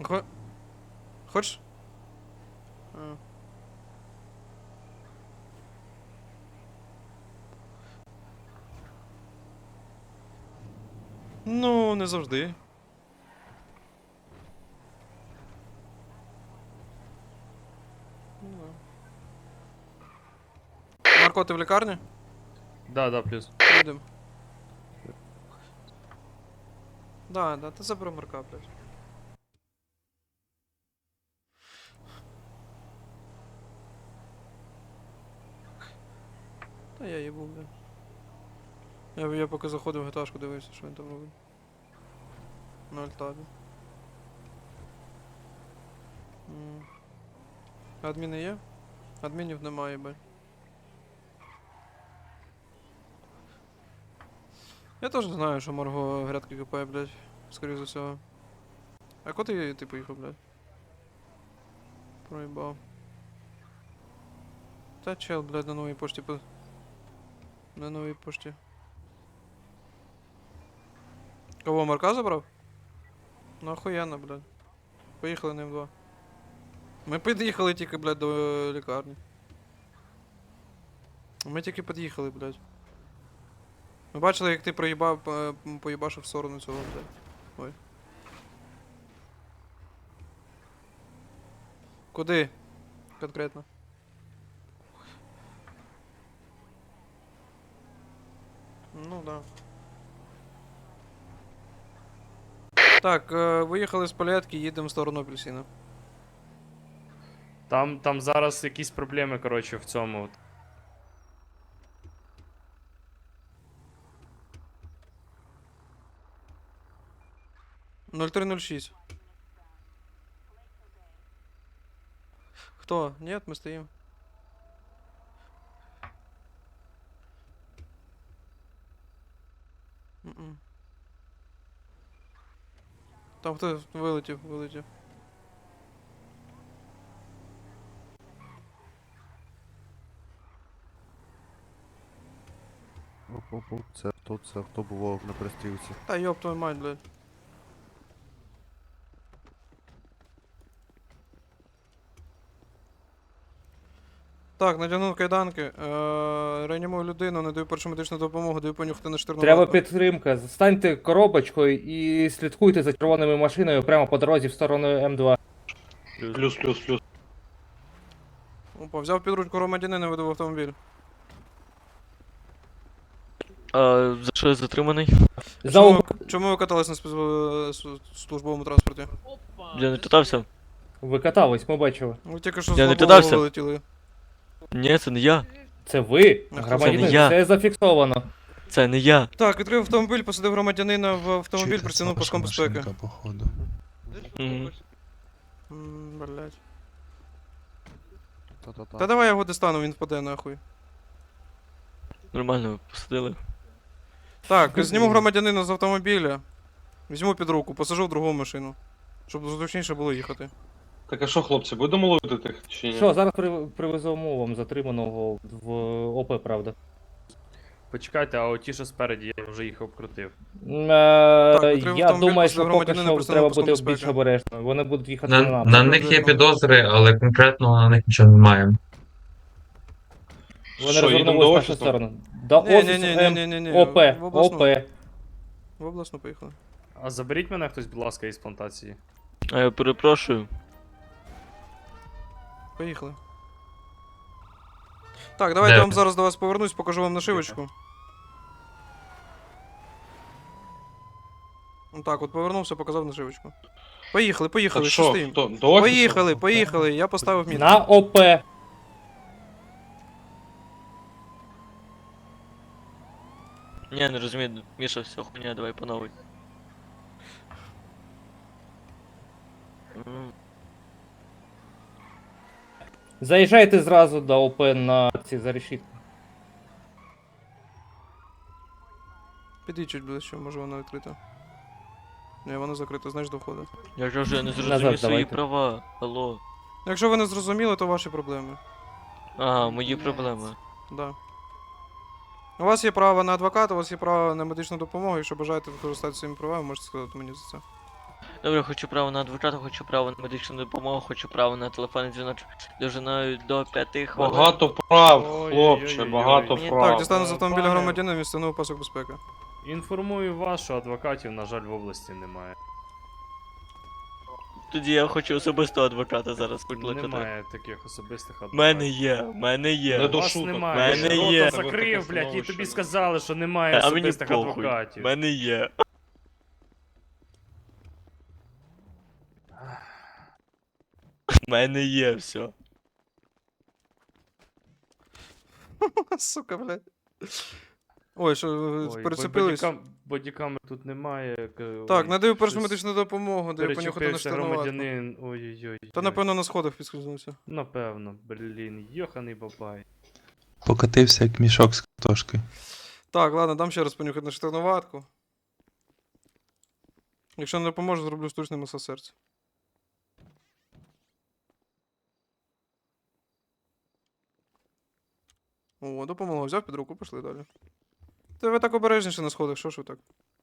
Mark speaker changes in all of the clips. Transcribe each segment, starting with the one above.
Speaker 1: Хочеш? А. Ну, не завжди. Ну, да. Марко, ти в лікарні?
Speaker 2: Да, плюс.
Speaker 1: Їдем. Да, ти забери Марка, блядь. Та я їбу, блядь. Я поки заходив в геташку, дивився, що він там робить. На альтабі. Адміни є? Адмінів немає, блядь. Я теж знаю, що Марго грядки копає, блядь. Скоріше за всього. А куди ти поїхав, блядь? Проїбав. Та чел, блядь, на новій пошті На новій пошті. Кого, Марка забрав? Ну охуєнно, блядь. Поїхали ним два. Ми під'їхали тільки, блядь, до лікарні. Ми тільки під'їхали, блядь. Ми бачили, як ти поїбашив в сторону цього, блядь. Ой. Куди? Конкретно. Ну да. Так, виїхали з палетки, їдемо в сторону апельсина.
Speaker 2: Там зараз якісь проблеми, коротше, в цьому.
Speaker 1: 0306. Кто? Нет, мы стоим. Там хто вилетів.
Speaker 3: Оп-оп-оп, це хто було на пристрілці.
Speaker 1: Та ёб твою мать, блядь. Так, надягнув кайданки, реанімую людину, надаю першу медичну допомогу, даю понюхати на штирну
Speaker 4: Треба
Speaker 1: вату.
Speaker 4: підтримка. Станьте коробочкою і слідкуйте за червоною машиною прямо по дорозі в сторону М2.
Speaker 5: Плюс.
Speaker 1: Опа, взяв під ручку громадянина, веду в автомобіль.
Speaker 6: А за що я затриманий?
Speaker 1: Чому ви катались на службовому транспорті?
Speaker 6: Я не катався?
Speaker 4: Ви катались, ми бачили.
Speaker 1: Ви тільки що з
Speaker 6: Я не
Speaker 1: лобового
Speaker 6: кидався.
Speaker 1: вилетіли.
Speaker 6: Ні, це не я.
Speaker 4: Це ви,
Speaker 1: Це не
Speaker 4: громадянин,
Speaker 6: я.
Speaker 4: це зафіксовано.
Speaker 6: Це не я.
Speaker 1: Так, відкрив автомобіль, посадив громадянина в автомобіль, притягнув паском безпеки.
Speaker 5: Походу.
Speaker 6: Мгм.
Speaker 1: Блять.
Speaker 3: Та-та-та.
Speaker 1: Та давай я його достану, він впаде нахуй.
Speaker 6: Нормально, посадили.
Speaker 1: Так, зніму громадянина з автомобіля. Візьму під руку, посажу в другу машину. Щоб зручніше було їхати.
Speaker 5: Так а що, хлопці, будемо ловити тих чи ні?
Speaker 4: Що, зараз привеземо вам затриманого в ОП, правда.
Speaker 2: Почекайте, а оті, що спереді, я вже їх обкрутив.
Speaker 1: потрібно
Speaker 4: Я
Speaker 1: автомобіль
Speaker 4: думаю,
Speaker 1: посадити
Speaker 4: що поки
Speaker 1: громадянина,
Speaker 4: що
Speaker 1: просто
Speaker 4: треба
Speaker 1: паском
Speaker 4: бути
Speaker 1: безпеки.
Speaker 4: більш обережними. Вони будуть їхати
Speaker 7: На,
Speaker 4: на нас.
Speaker 7: на них є підозри, але конкретно на них нічого немає.
Speaker 4: Вони
Speaker 5: Що, їдемо
Speaker 4: розвернулись
Speaker 5: до
Speaker 4: в нашу
Speaker 5: офісу?
Speaker 4: сторону. До офісу
Speaker 1: Ні-ні-ні-ні-ні-ні.
Speaker 4: ОП,
Speaker 1: В обласну.
Speaker 4: ОП.
Speaker 1: В обласну поїхали.
Speaker 2: А заберіть мене хтось, будь ласка, із плантації.
Speaker 6: А я перепрошую.
Speaker 1: Поїхали. Так, давайте
Speaker 7: Де
Speaker 1: я вам
Speaker 7: ви?
Speaker 1: зараз до вас повернусь, покажу вам нашивочку. Так, от повернувся, показав нашивочку. Поїхали,
Speaker 5: Так
Speaker 1: що
Speaker 5: що,
Speaker 1: стоїм?
Speaker 5: хто, до офісу?
Speaker 1: Поїхали, я поставив мітку.
Speaker 4: На ОП.
Speaker 6: Ні, не розумію, Міша, все хуйня, давай по новій.
Speaker 4: Заїжджайте зразу до ОП на ці за решітку.
Speaker 1: Піди чуть ближче, може вона відкрита. Ні, вона закрита, знаєш, до входу.
Speaker 6: Я кажу, я не
Speaker 4: Назад
Speaker 6: зрозумів свої
Speaker 4: давайте.
Speaker 6: права. Алло.
Speaker 1: Якщо ви не зрозуміли, то ваші проблеми.
Speaker 6: Ага, мої проблеми.
Speaker 1: Да. У вас є право на адвоката, у вас є право на медичну допомогу, якщо бажаєте використати своїми правами, можете сказати мені за це.
Speaker 6: Добре, хочу право на адвоката, хочу право на медичну допомогу, хочу право на телефонний дзвіночок довжиною до 5 хвилин.
Speaker 5: Багато прав,
Speaker 2: Ой-ой-ой-ой.
Speaker 5: хлопче, багато
Speaker 6: Мені
Speaker 5: прав.
Speaker 1: Так, дістану з автомобіля
Speaker 2: пане-
Speaker 1: громадянина і встановив пасок безпеки.
Speaker 2: Інформую вас, що адвокатів, на жаль, в області немає.
Speaker 6: Тоді я хочу особистого адвоката зараз викликати.
Speaker 2: Немає таких особистих адвокатів.
Speaker 6: Мене є.
Speaker 5: Не
Speaker 2: У
Speaker 5: до
Speaker 2: вас
Speaker 5: шуток.
Speaker 2: немає.
Speaker 6: Мене
Speaker 2: Рота
Speaker 6: є.
Speaker 2: закрив,
Speaker 5: Таке
Speaker 2: блядь, і
Speaker 5: становище,
Speaker 2: тобі
Speaker 5: да.
Speaker 2: сказали, що немає
Speaker 6: А мені
Speaker 2: особистих
Speaker 6: похуй.
Speaker 2: адвокатів.
Speaker 6: Мене є. Мене є все.
Speaker 1: Сука, блядь. Ой, що,
Speaker 2: Ой,
Speaker 1: перецепились?
Speaker 2: бодікамер тут немає.
Speaker 1: Так,
Speaker 2: ой,
Speaker 1: надаю першу
Speaker 2: щось
Speaker 1: медичну допомогу, даю понюхати на
Speaker 2: перечепився
Speaker 1: штурмуватку.
Speaker 2: громадянин. Ой-ой-ой.
Speaker 1: Та напевно на сходах підскользнувся.
Speaker 2: Напевно, блін, йоханий бабай.
Speaker 8: Покатився як мішок з картошки.
Speaker 1: Так, ладно, дам ще раз понюхати на штурмуватку. Якщо не допоможе, зроблю штучний масаж серця. О, допомогло, взяв під руку, пішли далі. Та ви так обережніше на сходах, що ж ви так?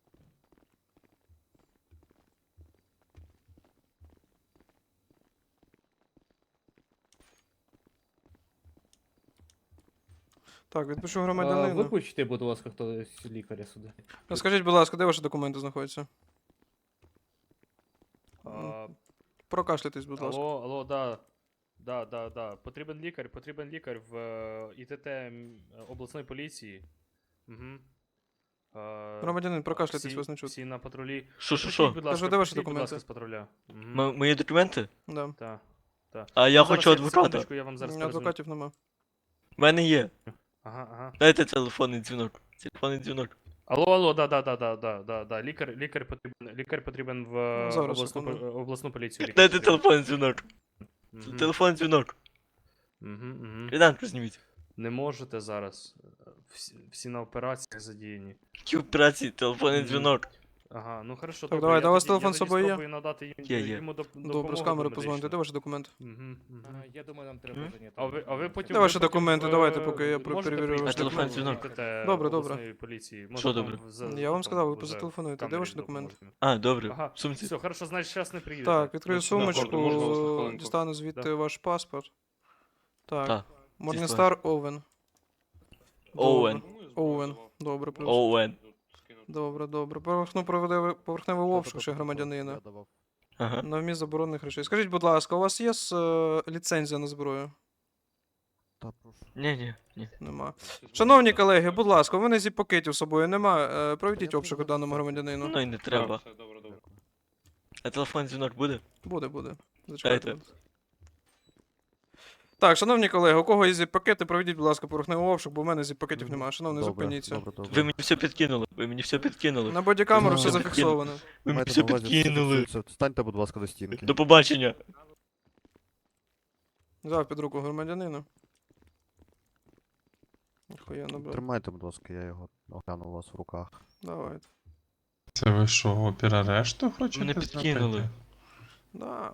Speaker 1: Так, відпишу громадянину.
Speaker 4: Викличте, будь ласка, хтось лікаря сюди.
Speaker 1: Скажіть, будь ласка, де ваші документи знаходяться?
Speaker 2: А,
Speaker 1: Прокашляйтесь, будь ласка.
Speaker 2: алло, да. Да. Потрібен лікар в ІТТ обласної поліції. Угу.
Speaker 1: Громадянин, прокашляйтесь, вас не чути.
Speaker 2: Всі на патрулі.
Speaker 6: Що?
Speaker 2: Будь ласка,
Speaker 1: Кажу, де ваші
Speaker 2: прийдіть, будь ласка,
Speaker 1: документи?
Speaker 2: з патруля. Мгм.
Speaker 6: Мої документи?
Speaker 1: Да.
Speaker 2: Так.
Speaker 6: А я
Speaker 2: Ну,
Speaker 6: хочу
Speaker 2: зараз,
Speaker 6: адвоката.
Speaker 2: секундочку, я вам зараз перезвоню.
Speaker 1: Адвокатів нема.
Speaker 6: Мене є.
Speaker 2: Ага.
Speaker 6: Дайте телефонний дзвінок. Телефонний дзвінок.
Speaker 2: Алло, да. Лікар потрібен в
Speaker 1: Зараз,
Speaker 2: обласну,
Speaker 1: секунду.
Speaker 2: обласну поліцію. лікар
Speaker 6: Дайте
Speaker 2: потрібен.
Speaker 6: телефонний дзвінок.
Speaker 2: Мгм.
Speaker 6: Телефонний дзвінок.
Speaker 2: Мгм.
Speaker 6: Ріданку зніміть.
Speaker 2: Не можете зараз. Всі на операціях задіяні.
Speaker 6: Які операції, телефонний
Speaker 2: Мгм.
Speaker 6: дзвінок.
Speaker 2: Ага, ну хорошо,
Speaker 1: Так,
Speaker 2: добре.
Speaker 1: давайте,
Speaker 2: я
Speaker 1: у вас
Speaker 2: тоді- я
Speaker 1: телефон з
Speaker 2: тоді
Speaker 1: собою є?
Speaker 2: спробую надати
Speaker 6: Є.
Speaker 2: йому
Speaker 1: Добре, з камери позвоните, де ваші документи?
Speaker 4: Я думаю, нам треба
Speaker 6: М?
Speaker 4: зайняти.
Speaker 2: А ви потім...
Speaker 1: Де ваші
Speaker 2: ви потім,
Speaker 1: документи? Давайте, поки я
Speaker 2: можете
Speaker 1: перевірю
Speaker 2: прийти
Speaker 1: ваш
Speaker 2: до
Speaker 6: телефон, дзвінок.
Speaker 2: ІТТ
Speaker 1: Добре.
Speaker 2: обласної поліції? Може,
Speaker 6: Що
Speaker 2: там
Speaker 6: добре?
Speaker 1: Я вам
Speaker 2: там
Speaker 1: сказав, ви
Speaker 2: вже
Speaker 1: позателефонуєте.
Speaker 2: в
Speaker 1: Де ваші
Speaker 2: камері
Speaker 1: документи?
Speaker 2: допоможемо.
Speaker 6: А, добре.
Speaker 2: Ага,
Speaker 6: В сумці.
Speaker 2: все, хорошо, значить, зараз не приїдете.
Speaker 1: Так, відкрию
Speaker 2: Значить,
Speaker 5: можна вас на
Speaker 1: сумочку,
Speaker 5: хвилинку?
Speaker 1: дістану звідти
Speaker 2: Да.
Speaker 1: ваш паспорт. Так.
Speaker 6: Так.
Speaker 1: Морністар Овен.
Speaker 6: Оуен.
Speaker 1: Оуен. Добре, плюс.
Speaker 6: Оуен.
Speaker 1: Добре. Поверхневий обшук ще громадянина.
Speaker 3: Я давав.
Speaker 6: Ага.
Speaker 1: На вміст заборонених речей. Скажіть, будь ласка, у вас є ліцензія на зброю?
Speaker 3: Та прошу.
Speaker 6: Ні.
Speaker 1: Нема. Шановні колеги, будь ласка, у мене зіп-пакетів з собою нема. Проведіть обшук даному громадянину.
Speaker 6: Ну і не треба.
Speaker 5: Все, добре.
Speaker 6: А телефонний дзвінок буде?
Speaker 1: Буде. Зачекайте.
Speaker 6: Дайте.
Speaker 1: Так, шановні колеги, у кого є зіп-пакети, проведіть, будь ласка, поверхневий обшук, бо в мене зіп-пакетів немає. Шановний, зупиніться.
Speaker 6: Ви мені все підкинули.
Speaker 1: На бодікамеру все
Speaker 6: Ну,
Speaker 1: зафіксовано.
Speaker 6: Ви мені все підкинули.
Speaker 3: Станьте, будь ласка, до стінки.
Speaker 6: До побачення.
Speaker 1: Взяв під руку громадянина. Охуєнно, брат.
Speaker 3: Тримайте, будь ласка, я його огляну у вас в руках.
Speaker 1: Давайте.
Speaker 8: Це ви що, опір арешту хочете?
Speaker 6: Мене підкинули.
Speaker 8: зробити?
Speaker 1: Да.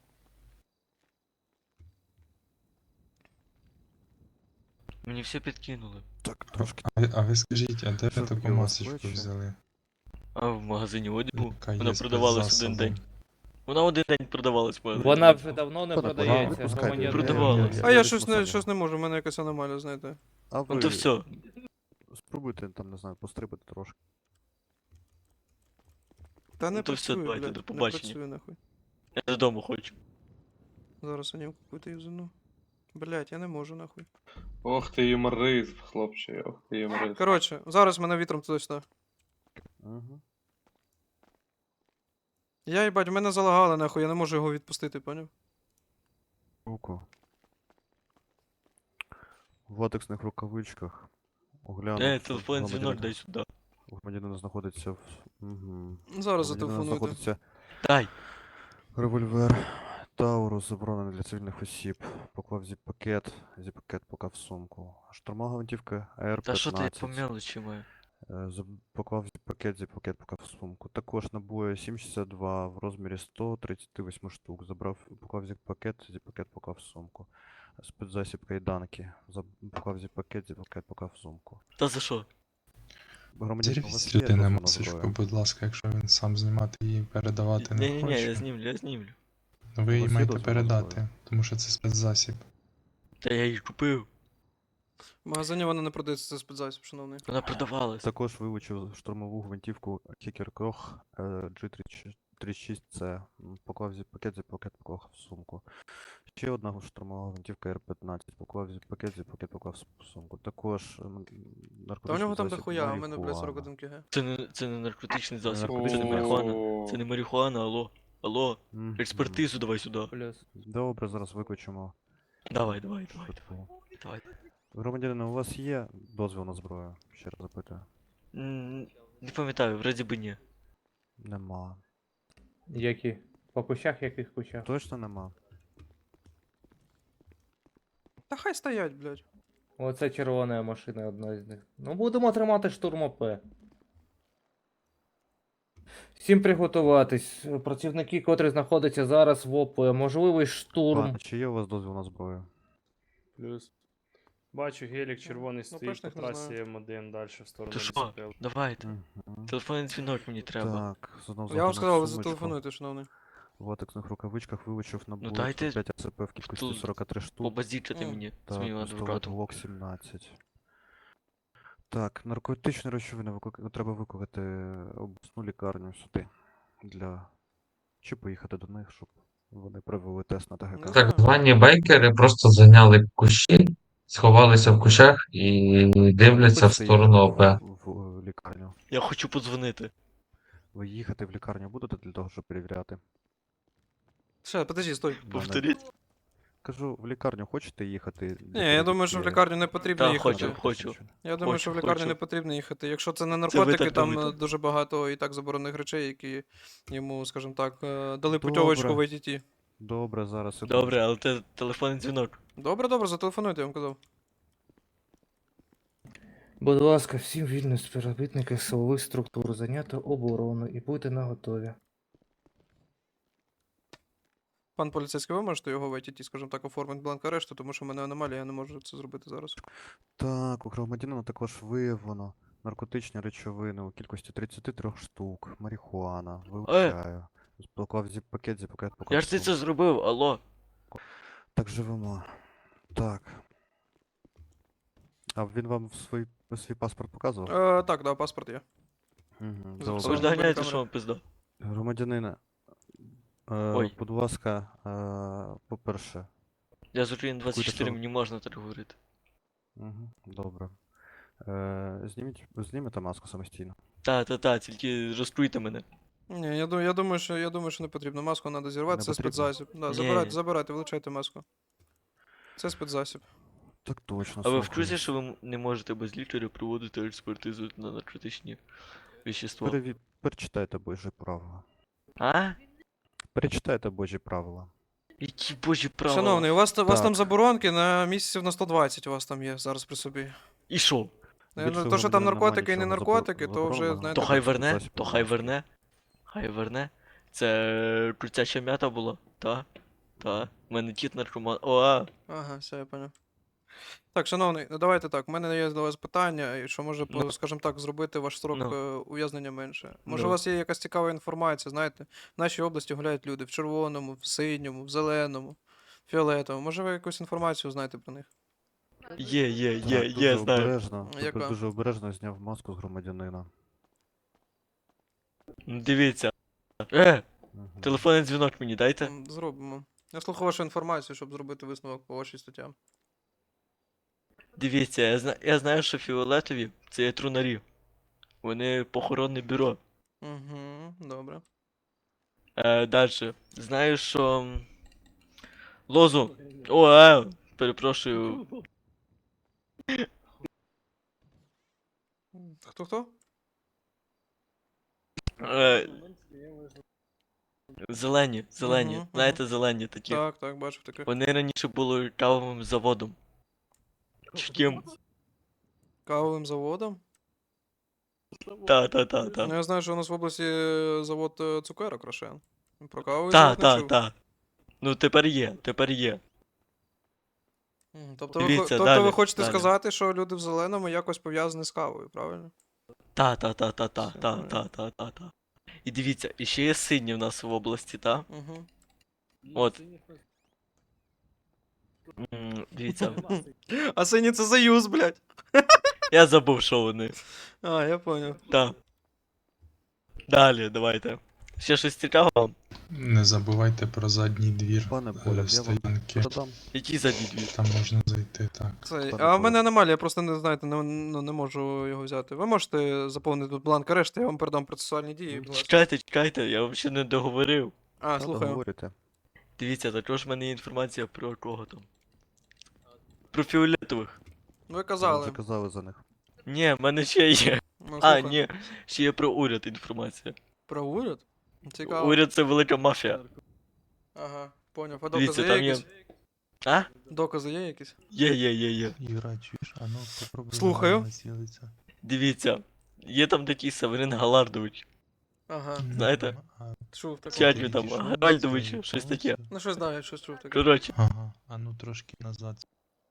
Speaker 6: Мені все підкинули.
Speaker 3: Так, трошки.
Speaker 8: А ви скажіть, а де ви
Speaker 3: Що
Speaker 8: таку
Speaker 3: таке у вас
Speaker 8: масочку
Speaker 3: плечі?
Speaker 8: взяли?
Speaker 6: А в магазині одягу
Speaker 8: Яка
Speaker 6: вона
Speaker 8: є з
Speaker 6: продавалась один
Speaker 8: спецзасобом?
Speaker 6: день. Вона один день продавалась в магазині.
Speaker 4: Вона вже давно не
Speaker 3: Та, та,
Speaker 4: продається.
Speaker 3: випускайте.
Speaker 4: громадянин.
Speaker 6: Продавалась.
Speaker 1: А я
Speaker 3: візьму
Speaker 1: щось
Speaker 3: собі.
Speaker 1: не можу, в мене якась аномалія, знаєте.
Speaker 3: А ви
Speaker 6: Ну то все.
Speaker 3: спробуйте там, не знаю, пострибати трошки.
Speaker 1: Та не
Speaker 6: Ну то все,
Speaker 1: працює,
Speaker 6: давайте,
Speaker 1: блядь,
Speaker 6: до
Speaker 1: не
Speaker 6: побачення.
Speaker 1: працює, нахуй.
Speaker 6: Я додому хочу.
Speaker 1: Зараз анімку какую-то юзану. Блять, я не можу, нахуй.
Speaker 5: Ох ти юморист, хлопче, ох ти юморист.
Speaker 1: Коротше, зараз мене вітром туди-сюди.
Speaker 3: Угу.
Speaker 1: Я, їбать, мене залагали, нахуй, я не можу його відпустити, поняв?
Speaker 3: Руку. В латексних рукавичках. Оглянув.
Speaker 6: Телефонний дзвінок дай сюди.
Speaker 3: У громадянина знаходиться в... Угу.
Speaker 1: Зараз зателефонуйте.
Speaker 3: знаходиться
Speaker 6: Дай.
Speaker 3: револьвер. Таурус заборонений для цивільних осіб. Поклав зіп-пакет. Зіп-пакет поклав в сумку. Штурмова гвинтівка АР-15.
Speaker 6: Та що ти я по мелочі маю?
Speaker 3: Поклав зіп-пакет поклав в сумку. Також набої 7,62 в розмірі 138 штук. Поклав зіп-пакет поклав в сумку. Спецзасіб кайданки. Поклав зіп-пакет поклав в сумку.
Speaker 6: Та за що?
Speaker 3: Громадянин, у вас є
Speaker 8: Зареєструйте на
Speaker 3: дозвіл на
Speaker 8: масочку,
Speaker 3: зброю?
Speaker 8: будь ласка, якщо він сам знімати і передавати не
Speaker 6: Ні-ні-ні,
Speaker 8: хоче.
Speaker 6: я знімлю.
Speaker 8: Ну,
Speaker 3: У
Speaker 8: ви її
Speaker 3: вас є
Speaker 8: маєте
Speaker 3: дозвіл на
Speaker 8: передати,
Speaker 3: зброю?
Speaker 8: тому що це спецзасіб.
Speaker 6: Та я її купив.
Speaker 1: В магазині вона не продається, це спецзасіб, шановний.
Speaker 6: Вона продавалась.
Speaker 3: Також вилучив штурмову гвинтівку Kicker Koch G36C. Поклав пакет, поклав в сумку. Ще одна штурмова гвинтівка R15. Поклав пакет, поклав в сумку. Також
Speaker 1: Та у
Speaker 3: наркотичний
Speaker 1: нього там
Speaker 3: засіб
Speaker 1: дохуя, а у мене, блядь,
Speaker 3: марихуана.
Speaker 1: 41 кг.
Speaker 6: Це не наркотичний засіб,
Speaker 3: Наркотичний
Speaker 6: це не
Speaker 3: засіб.
Speaker 6: марихуана. Це не марихуана, алло.
Speaker 3: Мгм.
Speaker 6: Експертизу давай сюди.
Speaker 4: Плюс.
Speaker 3: Добре, зараз викличемо.
Speaker 6: Давай.
Speaker 3: швидку.
Speaker 6: Давай.
Speaker 3: Громадянин, у вас є дозвіл на зброю? Ще раз запитую.
Speaker 6: Не пам'ятаю, вроді би ні.
Speaker 3: Нема.
Speaker 4: Які? По кущах, яких кущах?
Speaker 3: Точно нема?
Speaker 1: Та хай стоять, блядь.
Speaker 4: Оце червона машина одна з них. Ну будемо тримати штурм ОП. Всім приготуватись. Працівники, котрі знаходяться зараз в ОП, можливий штурм.
Speaker 3: Пане, чи є у вас дозвіл на зброю?
Speaker 2: Плюс. Бачу, гелік червоний стоїть по
Speaker 1: пишних не
Speaker 2: трасі
Speaker 1: знаю.
Speaker 2: М1 далі в сторону
Speaker 6: То що?
Speaker 2: лісопилки.
Speaker 6: Давайте.
Speaker 3: Мгм.
Speaker 6: Телефонний дзвінок мені треба.
Speaker 3: Так, знову
Speaker 1: Я вам
Speaker 3: заходимо в
Speaker 1: сказав, ви
Speaker 3: сумочку.
Speaker 1: зателефонуйте, шановний.
Speaker 3: В латексних рукавичках вилучив набор
Speaker 6: дайте
Speaker 3: 5 АЦП в кількості
Speaker 6: тут
Speaker 3: 43 штук.
Speaker 6: Побазічити мені з
Speaker 3: Так,
Speaker 6: моїм
Speaker 3: пістолет
Speaker 6: адвокатом.
Speaker 3: Glock 17. Так, наркотичні речовини треба викликати обласну лікарню сюди. Чи поїхати до них, щоб вони провели тест на
Speaker 1: Ну,
Speaker 3: ТГК.
Speaker 7: Так звані байкери просто зайняли кущі, сховалися в кущах і дивляться в
Speaker 3: Хочете
Speaker 7: сторону ОП.
Speaker 3: їхати в лікарню.
Speaker 6: Я хочу подзвонити.
Speaker 3: Ви їхати в лікарню будете для того, щоб перевіряти?
Speaker 1: Ще, подожди, стой.
Speaker 3: Мене-
Speaker 6: Повторіть.
Speaker 3: Кажу, в лікарню хочете їхати?
Speaker 1: Ні, я думаю, що в лікарню не потрібно
Speaker 6: Та,
Speaker 1: їхати.
Speaker 6: хочу.
Speaker 1: Я думаю, що в
Speaker 6: Хочу,
Speaker 1: лікарню
Speaker 6: хочу.
Speaker 1: не потрібно їхати. Якщо це не
Speaker 6: ви
Speaker 1: наркотики,
Speaker 6: так
Speaker 1: там
Speaker 6: думаєте?
Speaker 1: дуже багато і так заборонених речей, які йому, скажімо так, дали путьовочку в
Speaker 3: Добре.
Speaker 1: ITT.
Speaker 3: Добре, зараз.
Speaker 6: Добре, але це телефонний дзвінок.
Speaker 1: Добре, зателефонуйте, я вам казав.
Speaker 4: Будь ласка, всім вільно співробітники силових структур зайняти оборону і будьте наготові.
Speaker 1: Пан поліцейський, ви можете його в ITT, скажімо так, оформити бланк арешту, тому що в мене аномалія, я не можу це зробити зараз.
Speaker 3: Так, у громадянина також виявлено наркотичні речовини у кількості 33 штук, марихуана, вилучаю. Поклав пакет, поклав
Speaker 6: Я ж це зробив, алло.
Speaker 3: Так, живемо. Так. А він вам свій паспорт показував?
Speaker 1: Так, да, паспорт є.
Speaker 3: Угу,
Speaker 6: А ви ж
Speaker 1: Записав.
Speaker 3: добре.
Speaker 6: доганяєте,
Speaker 1: камера.
Speaker 6: що вам пизда.
Speaker 3: Громадянина,
Speaker 6: Ой.
Speaker 3: будь ласка, по-перше,
Speaker 6: Я з України 24,
Speaker 3: що?
Speaker 6: мені можна так говорити.
Speaker 3: добре. Знімете маску самостійно.
Speaker 6: Та, тільки розкруйте мене.
Speaker 1: Ні, я думаю, що не потрібно. Маску треба зірвати,
Speaker 3: Не
Speaker 1: це
Speaker 3: потрібно?
Speaker 1: спецзасіб. Да,
Speaker 6: Ні.
Speaker 1: забирайте, вилучайте маску. Це спецзасіб.
Speaker 3: Так точно,
Speaker 6: А ви в
Speaker 3: слухаю.
Speaker 6: курсі, що ви не можете без лікаря проводити експертизу на наркотичні вещества?
Speaker 3: Перечитайте Божі правила.
Speaker 6: А?
Speaker 3: Перечитайте Божі правила.
Speaker 6: Які божі права?
Speaker 1: Шановний, у вас там
Speaker 3: Так.
Speaker 1: заборонки на місяців на 120 у вас там є зараз при собі.
Speaker 6: І що?
Speaker 3: Більше
Speaker 1: То, що там
Speaker 3: громадянина нема
Speaker 1: наркотики і не
Speaker 3: нічого
Speaker 1: наркотики, то вже,
Speaker 3: забороненого.
Speaker 1: знаєте,
Speaker 6: То хай
Speaker 3: так,
Speaker 6: верне,
Speaker 3: засіб
Speaker 6: то хай
Speaker 3: маски.
Speaker 6: верне. Хай верне. Це крутяча м'ята була, та? Та. У мене тіт наркоман.
Speaker 1: Ага, все, я понял. Так, шановний, ну давайте так, у мене є до вас питання, і що може,
Speaker 6: Ну.
Speaker 1: скажімо так, зробити ваш строк
Speaker 6: Ну.
Speaker 1: ув'язнення менше. Може, у
Speaker 6: Ну.
Speaker 1: вас є якась цікава інформація, знаєте, в нашій області гуляють люди в червоному, в синьому, в зеленому, фіолетовому. Може, ви якусь інформацію знаєте про них?
Speaker 6: Є,
Speaker 3: Так, дуже
Speaker 6: знаю.
Speaker 3: обережно,
Speaker 1: Яка?
Speaker 3: дуже обережно зняв маску з громадянина.
Speaker 6: Дивіться.
Speaker 3: Мгм.
Speaker 6: Телефонний дзвінок мені дайте.
Speaker 1: Зробимо. Я слухаю вашу інформацію, щоб зробити висновок по вашій статтям.
Speaker 6: Дивіться, я знаю, що фіолетові це є трунарі. Вони похоронне бюро.
Speaker 1: Угу, добре.
Speaker 6: Дальше. Знаю, що. Лозу. Перепрошую.
Speaker 1: Хто?
Speaker 6: Е, Зелені.
Speaker 1: Мгм.
Speaker 6: Знаєте, зелені такі.
Speaker 1: Так, бачив таке.
Speaker 6: Вони раніше були кавовим заводом. Чи ким?
Speaker 1: Кавовим заводом?
Speaker 6: Та.
Speaker 1: Ну, я знаю, що у нас в області завод цукерок Рошен. Про кавовий завод не чув.
Speaker 6: Та. Ну тепер є.
Speaker 1: Тобто,
Speaker 6: Дивіться,
Speaker 1: ви
Speaker 6: далі,
Speaker 1: хочете
Speaker 6: далі.
Speaker 1: сказати, що люди в зеленому якось пов'язані з кавою, правильно?
Speaker 6: Та. І дивіться, і ще є сині в нас в області, та?
Speaker 1: Угу.
Speaker 6: От. Дивіться,
Speaker 1: А сині це Союз, блядь.
Speaker 6: я забув, що вони.
Speaker 1: А, я понял.
Speaker 6: Та. Далі, давайте. Ще щось цікавого?
Speaker 8: Не забувайте про задній двір
Speaker 3: Пане Поляк, я вам
Speaker 8: стоянки.
Speaker 3: продам.
Speaker 6: Які задні дві?
Speaker 8: Там можна зайти, так.
Speaker 1: Це...
Speaker 3: Пане
Speaker 1: А в мене
Speaker 3: Поляк.
Speaker 1: аномалія, я просто не знаєте, не можу його взяти. Ви можете заповнити тут бланк арешту, я вам передам процесуальні дії. будь ласка.
Speaker 6: Чекайте, я вам ще не договорив.
Speaker 1: А,
Speaker 3: Та
Speaker 1: слухаю.
Speaker 3: договорюйте.
Speaker 6: Дивіться, також в мене є інформація про кого там. Про фіолетових.
Speaker 1: Ви
Speaker 3: Ви
Speaker 1: казали.
Speaker 3: вже казали за них.
Speaker 6: Ні, в мене ще є.
Speaker 1: Ну,
Speaker 6: А,
Speaker 1: слухаю.
Speaker 6: ні, ще є про уряд інформація.
Speaker 1: Про уряд? Цікаво.
Speaker 6: Уряд це велика мафія.
Speaker 1: Ага, поняв. А
Speaker 6: Дивіться,
Speaker 1: докази є
Speaker 6: там є.
Speaker 1: якісь?
Speaker 6: А?
Speaker 1: Докази є якісь?
Speaker 6: Є.
Speaker 8: Юра, чуєш, а ну попробуй
Speaker 1: Слухаю.
Speaker 8: націлитися.
Speaker 6: Дивіться. Є там такий Северин Галардович.
Speaker 1: Ага,
Speaker 6: Знаєте?
Speaker 1: чув таке.
Speaker 6: Чать він там, Гальдович, щось таке.
Speaker 1: Ну щось знаю, щось чув таке.
Speaker 6: Коротше,
Speaker 8: Ага, а ну трошки назад.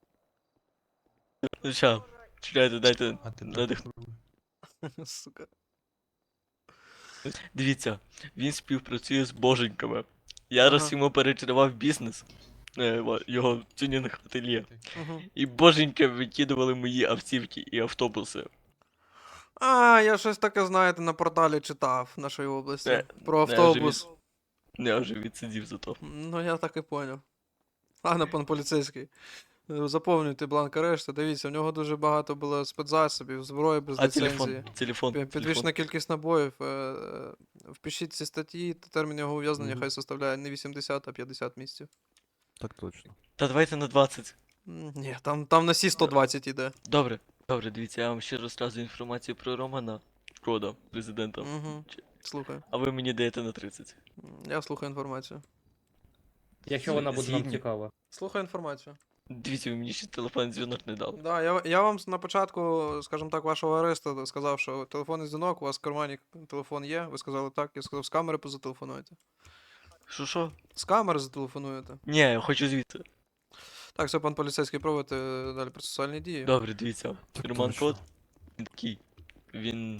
Speaker 6: ну ща, чекайте, дайте.
Speaker 8: А ти
Speaker 6: Надих-
Speaker 8: попробуй.
Speaker 1: Сука.
Speaker 6: Дивіться, він співпрацює з боженьками. Я раз
Speaker 1: Ага.
Speaker 6: йому перекривав бізнес, його тюнінг ательє.
Speaker 1: Угу.
Speaker 6: І боженьки викидували мої автівки і автобуси.
Speaker 1: А, я щось таке, знаєте, на порталі читав нашої області.
Speaker 6: Не,
Speaker 1: Про
Speaker 6: не,
Speaker 1: автобус.
Speaker 6: Я вже відсидів за то.
Speaker 1: Ну, я так і поняв. Ладно, пан поліцейський. Заповнюйте бланк арешту. Дивіться, в нього дуже багато було спецзасобів, зброї без
Speaker 6: А телефон?
Speaker 1: ліцензії.
Speaker 6: Телефон.
Speaker 1: Підвищена кількість набоїв. Впишіть ці статті, термін його ув'язнення
Speaker 6: Мгм.
Speaker 1: хай составляє не 80, а 50 місяців.
Speaker 3: Так точно.
Speaker 6: Та давайте на 20.
Speaker 1: Ні, там на всі 120 іде.
Speaker 6: Добре, дивіться, я вам ще розказую інформацію про Романа Шкода, президента.
Speaker 1: Угу.
Speaker 6: Чи-
Speaker 1: Слухаю.
Speaker 6: А ви мені даєте на 30.
Speaker 1: Я слухаю інформацію.
Speaker 4: Якщо вона буде нам
Speaker 6: Згідні.
Speaker 4: цікава.
Speaker 1: Слухаю інформацію.
Speaker 6: Дивіться, ви мені ще телефонний дзвінок не дали.
Speaker 1: Да, я вам на початку, скажімо так, вашого аресту сказав, що телефонний дзвінок, у вас в кармані телефон є. Ви сказали так, я сказав, з камери позателефонуєте.
Speaker 6: Що?
Speaker 1: З камери зателефонуєте.
Speaker 6: Ні, я хочу звідти.
Speaker 1: Так, все, пан поліцейський, проводите далі процесуальні дії.
Speaker 6: Добре, дивіться.
Speaker 3: Так
Speaker 6: Роман
Speaker 3: точно.
Speaker 6: Кот, він такий. Він.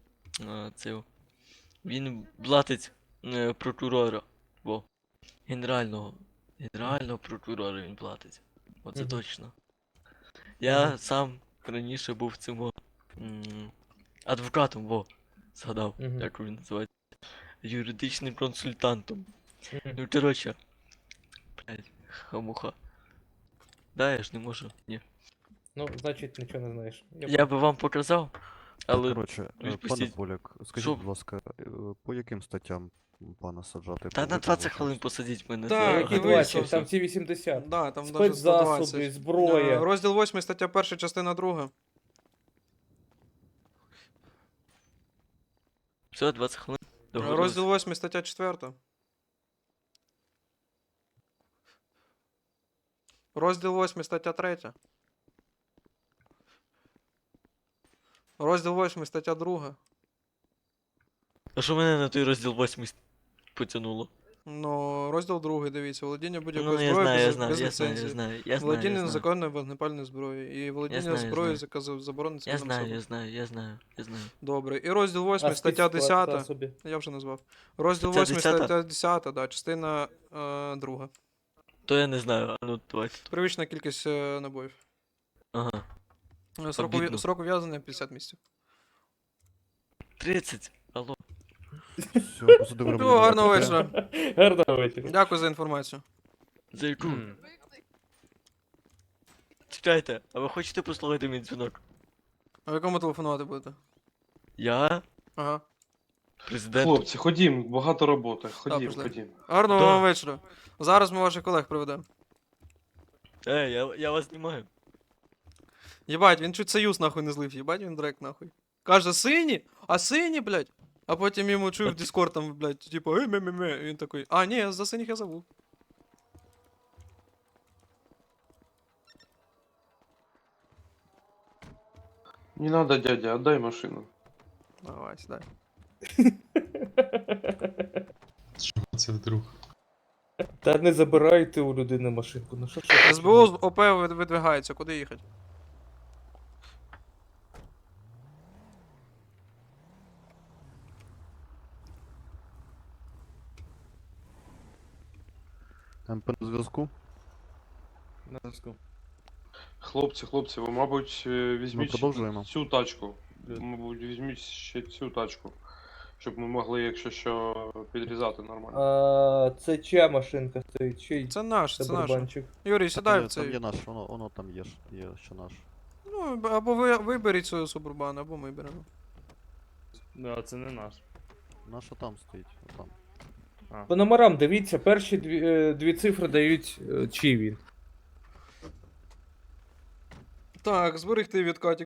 Speaker 6: Він блатить прокурора. Во. Генерального прокурора він платить. Оце
Speaker 4: Мгм.
Speaker 6: точно. Я сам раніше був цим адвокатом, згадав,
Speaker 4: Мгм.
Speaker 6: як він називається. Юридичним консультантом.
Speaker 4: Мгм.
Speaker 6: Ну, коротше. Блядь, хамуха. Да, я ж не можу. Ні.
Speaker 4: Ну, значить, нічого не знаєш.
Speaker 6: Я би вам показав, але.
Speaker 3: Коротше, пане
Speaker 6: відпустіть.
Speaker 3: Поляк, скажіть,
Speaker 6: Що?
Speaker 3: будь ласка, по яким статтям пана саджати?
Speaker 6: Та
Speaker 3: по
Speaker 6: на 20
Speaker 3: виклику?
Speaker 6: хвилин посадіть мене.
Speaker 1: Так,
Speaker 6: за-
Speaker 4: Які
Speaker 1: і
Speaker 4: 20,
Speaker 1: вийшов.
Speaker 4: там ці 80.
Speaker 1: Да, там даже
Speaker 4: Спецзасоби,
Speaker 1: 120.
Speaker 4: зброя.
Speaker 1: Розділ 8, стаття 1, частина 2.
Speaker 6: Все, 20 хвилин. Договорились.
Speaker 1: Розділ 8, стаття 4. Розділ 8, стаття 3. Розділ 8, стаття 2.
Speaker 6: А що мене на той розділ 8 потягнуло?
Speaker 1: Ну, розділ 2, дивіться, володіння будь-якої
Speaker 6: Ну, я
Speaker 1: зброї
Speaker 6: знаю, я
Speaker 1: без,
Speaker 6: знаю,
Speaker 1: без
Speaker 6: я знаю,
Speaker 1: ліцензії.
Speaker 6: я знаю, я знаю,
Speaker 1: Володіння
Speaker 6: я знаю.
Speaker 1: незаконною вогнепальною зброєю. І володіння
Speaker 6: знаю, я
Speaker 1: зброєю,
Speaker 6: знаю.
Speaker 1: яка заборонена
Speaker 6: Я
Speaker 1: цивільним
Speaker 6: знаю,
Speaker 1: особам.
Speaker 6: я знаю.
Speaker 1: Добре. І розділ 8,
Speaker 4: А
Speaker 1: стаття 10.
Speaker 4: спецзасоби?
Speaker 1: Я вже назвав. Розділ
Speaker 6: Стаття
Speaker 1: 8,
Speaker 6: 10?
Speaker 1: стаття 10, да, частина 2.
Speaker 6: То я не знаю, а ну давайте.
Speaker 1: Привична кількість набоїв.
Speaker 6: Ага.
Speaker 1: Срок,
Speaker 6: Обідно.
Speaker 1: срок ув'язнення 50 місяців.
Speaker 6: 30. Алло.
Speaker 3: Все, посадив Романа.
Speaker 1: Всього гарного
Speaker 3: Поляка.
Speaker 1: вечора.
Speaker 4: Гарного вечора.
Speaker 1: Дякую за інформацію.
Speaker 6: За яку?
Speaker 4: М.
Speaker 6: Чекайте, а ви хочете послухати мій дзвінок?
Speaker 1: А ви кому телефонувати будете?
Speaker 6: Я?
Speaker 1: Ага.
Speaker 6: Президент.
Speaker 5: Хлопці, ходім, багато роботи. Ходім,
Speaker 1: пішли.
Speaker 5: ходім.
Speaker 1: Гарного
Speaker 6: Да.
Speaker 1: вам вечора. Зараз ми ваших колег приведемо.
Speaker 6: Я вас знімаю.
Speaker 1: Єбать, він чуть союз нахуй не злив, єбать він дрек нахуй. Каже, сині? А сині, блядь? А потім йому чую в Discord там, блядь, типу, ме-ме-ме. І він такий, а, ні, за синіх я забув.
Speaker 5: Не надо, дядя, отдай машину.
Speaker 1: Давай, сідай.
Speaker 8: Що це вдруг?
Speaker 4: Та не забирайте у людини машинку. Ну що ж?
Speaker 1: СБУ з ОП видвигається, куди їхати?
Speaker 3: МП на зв'язку.
Speaker 4: На зв'язку.
Speaker 5: Хлопці, ви, мабуть, візьміть
Speaker 3: продовжуємо.
Speaker 5: цю тачку. Мабуть, візьміть ще цю тачку. Щоб ми могли, якщо що, підрізати нормально.
Speaker 4: Це чия машинка стоїть? Чий
Speaker 1: Це наш, це наш.
Speaker 4: барабанчик?
Speaker 1: Юрій, сідай в
Speaker 3: Там
Speaker 1: цей.
Speaker 3: є наш, воно там є, є ще наш.
Speaker 1: Ну, або ви виберіть свою субурбан, або ми беремо.
Speaker 2: Да, це не наш.
Speaker 3: Наша там стоїть, отам.
Speaker 4: По номерам дивіться, перші дві цифри дають чий він.
Speaker 1: Так, зберегти відкатик.